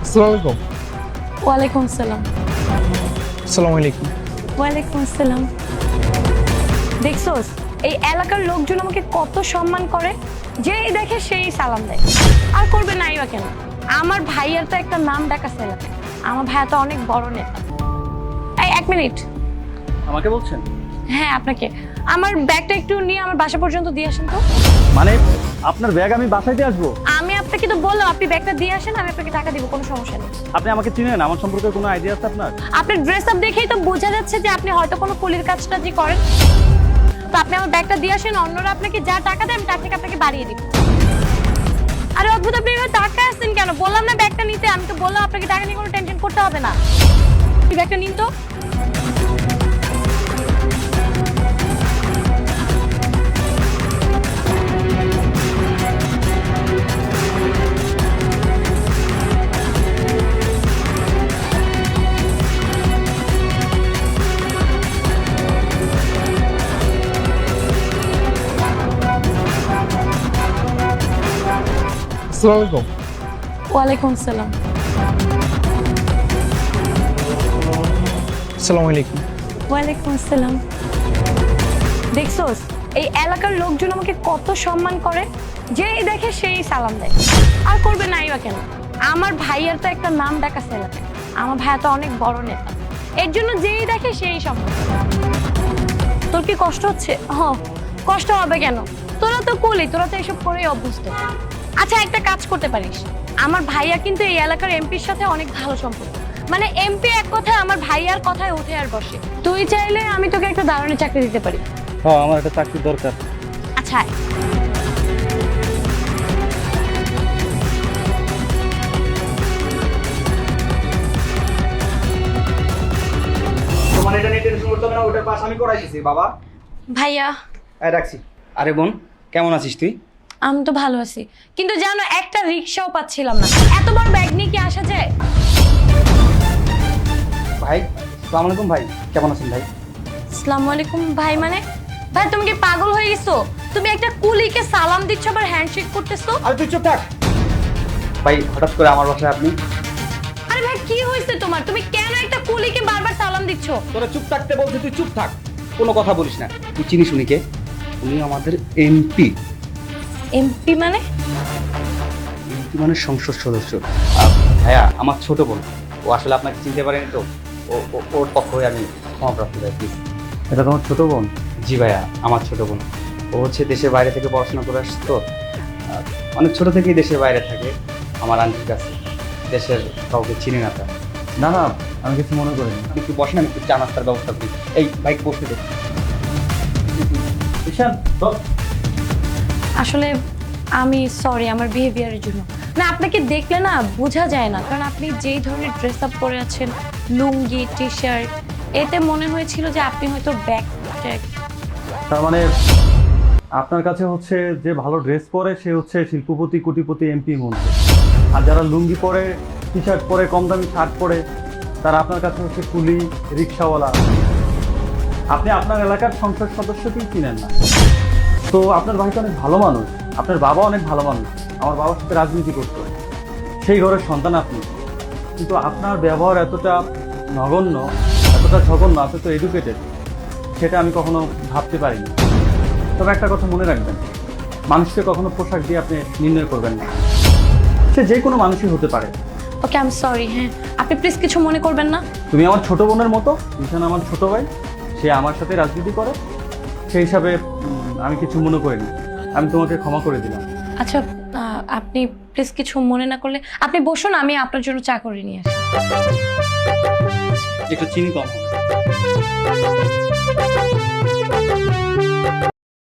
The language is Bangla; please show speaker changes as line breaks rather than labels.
আসসালামু আলাইকুম।
ওয়ালাইকুম আসসালাম।
আসসালামু আলাইকুম।
ওয়ালাইকুম আসসালাম। দেখছোস এই এলাকার লোকজন আমাকে কত সম্মান করে, যেই দেখে সেই সালাম দেয়। আর করবে নাই বা কেন? আমার ভাইয়ার তো একটা নাম ডাক আছে এলাকায়। আমার ভাইয়া তো অনেক বড় নেতা। এই এক মিনিট।
আমাকে বলছেন?
হ্যাঁ আপনাকে। আমার ব্যাগটা একটু নিয়ে আমার বাসা পর্যন্ত দিয়ে আসেন তো।
মানে আপনার ব্যাগ আমি বাসায় দিয়ে আসবো?
আমি আপনাকে তো বললাম আপনি ব্যাগটা দিয়ে আসেন, আমি আপনাকে টাকা দিব, কোনো সমস্যা নেই।
আপনি আমাকে চিনেন? আমার সম্পর্কে কোনো আইডিয়া আছে আপনার?
আপনার ড্রেস আপ দেখেই তো বোঝা যাচ্ছে যে আপনি হয়তো কোনো কুলির কাজটা যে করেন। তো আপনি আমার ব্যাগটা দিয়ে আসেন, অন্যরা আপনাকে যা টাকা দেয় আমি তার থেকে আপনাকে বাড়িয়ে দিব। আরে অদ্ভুত, আপনি এবার টাকা আসছেন কেন? বললাম না ব্যাগটা নিতে, আমি তো বললাম আপনাকে টাকা নিয়ে কোনো টেনশন করতে হবে না। এই ব্যাগটা নিন তো।
আসসালামু আলাইকুম।
ওয়ালাইকুম আসসালাম।
আসসালামু আলাইকুম।
ওয়ালাইকুম আসসালাম। দেখছোস এই এলাকার লোকজন আমাকে কত সম্মান করে, যেই দেখে সেই সালাম দেয়। আর করবে নাই বা কেন? আমার ভাইয়ার তো একটা নাম ডাক আছে এলাকায়। আমার ভাইয়া তো অনেক বড় নেতা। এর জন্য যেই দেখে সেই সম্মান। তোর কি কষ্ট হচ্ছে? কষ্ট হবে কেন? তোরা তো কুলি, তোরা তো এসব করেই অভ্যস্ত। আচ্ছা একটা কাজ করতে পারিস, আমার ভাইয়া কিন্তু এই এলাকার এমপির সাথে অনেক ভালো সম্পর্ক। মানে এমপি এক কথায় আমার ভাইয়ার কথায় উঠে আর বসে। তুই চাইলে আমি তোকে একটা দারুণ চাকরি দিতে পারি।
হ্যাঁ, আমার একটা চাকরির দরকার।
আচ্ছা আয়।
তোমার এটা নিয়ে টেনশন করতে হবে না, ওটার পাশ আমি করাই দিছি বাবা।
ভাইয়া
এই রাখছি। আরে বোন, কেমন আছিস তুই?
আমি তো ভালো আছি, কিন্তু জানো একটা রিক্সাও পাচ্ছিলাম না। এত বড় ব্যাগ নিয়ে কি আসা যায়?
ভাই আসসালামু আলাইকুম। ভাই কেমন আছেন ভাই?
আসসালামু আলাইকুম ভাই। মানে ভাই তুমি কি পাগল হয়ে গেছো? তুমি একটা কুলিকে সালাম দিচ্ছ আবার হ্যান্ডশেক করতেছো।
আরে তুই চুপ থাক। ভাই হঠাৎ করে আমার বাসায় আপনি?
আরে ভাই কি হয়েছে তোমার? তুমি কেন একটা কুলিকে বারবার সালাম দিচ্ছ?
তোরা চুপ থাকতে বলছি, তুই চুপ থাক, কোনো কথা বলিস না। তুই চিনিস উনিকে? উনি আমাদের এমপি।
এমপি মানে?
এমপি মানে সংসদ সদস্য। ভাইয়া আমার ছোট বোন, ও আসলে আপনাকে চিনতে পারেনি তো, ওর পক্ষ হয়ে আমি ক্ষমাপ্রাপ্ত ভাই, প্লিজ।
এটা তোমার ছোট বোন?
জি ভাইয়া, আমার ছোট বোন। ও হচ্ছে দেশের বাইরে থেকে পড়াশোনা করে আসছে তো, অনেক ছোট থেকেই দেশের বাইরে থাকে আমার আন্টির কাছে। দেশের কাউকে চিনি না তার।
না না, আমি কিছু মনে করিনি।
আপনি একটু বসেন, আমি একটু চা নাস্তার ব্যবস্থা করি। এই বাইক বসতে দে।
ঈশান বল।
আসলে আমি সরি আমার বিহেভিয়ারের জন্য। না আপনাকে দেখলে না বোঝা যায় না, কারণ আপনি যেই ধরনের ড্রেস আপ পরে আছেন, লুঙ্গি টি শার্ট, এতে মনে হয়েছিল যে আপনি হয়তো ব্যাগ ট্যাগ।
তার মানে আপনার কাছে হচ্ছে যে ভালো ড্রেস পরে সে হচ্ছে শিল্পপতি, কোটিপতি, এমপি মন্ত্রী, আর যারা লুঙ্গি পরে, টি শার্ট পরে, কম দামি শার্ট পরে, তারা আপনার কাছে হচ্ছে কুলি, রিক্সাওয়ালা। আপনি আপনার এলাকার সংসদ সদস্যকেই চিনেন না। তো আপনার ভাই তো অনেক ভালো মানুষ, আপনার বাবা অনেক ভালো মানুষ, আমার বাবার সাথে রাজনীতি করতো, সেই ঘরের সন্তান আপনি। কিন্তু আপনার ব্যবহার এতটা নগণ্য, এতটা জঘন্য, আপনি তো এডুকেটেড, সেটা আমি কখনো ভাবতে পারিনি। তবে একটা কথা মনে রাখবেন, মানুষকে কখনো পোশাক দিয়ে আপনি নির্ণয় করবেন না। সে যে কোনো মানুষই হতে পারে।
Okay I am sorry. হ্যাঁ আপনি প্লিজ কিছু মনে করবেন না।
তুমি আমার ছোট বোনের মতো, ঈশান আমার ছোট ভাই, সে আমার সাথে রাজনীতি করে, সেই হিসাবে আমি কিছু মনে করিনি। আমি তোমাকে ক্ষমা করে দিলাম।
আচ্ছা আপনি প্লিজ কিছু মনে না করলে আপনি বসুন, আমি আপনার জন্য চা করে নিয়ে আসি।
একটু চিনি কম হবে।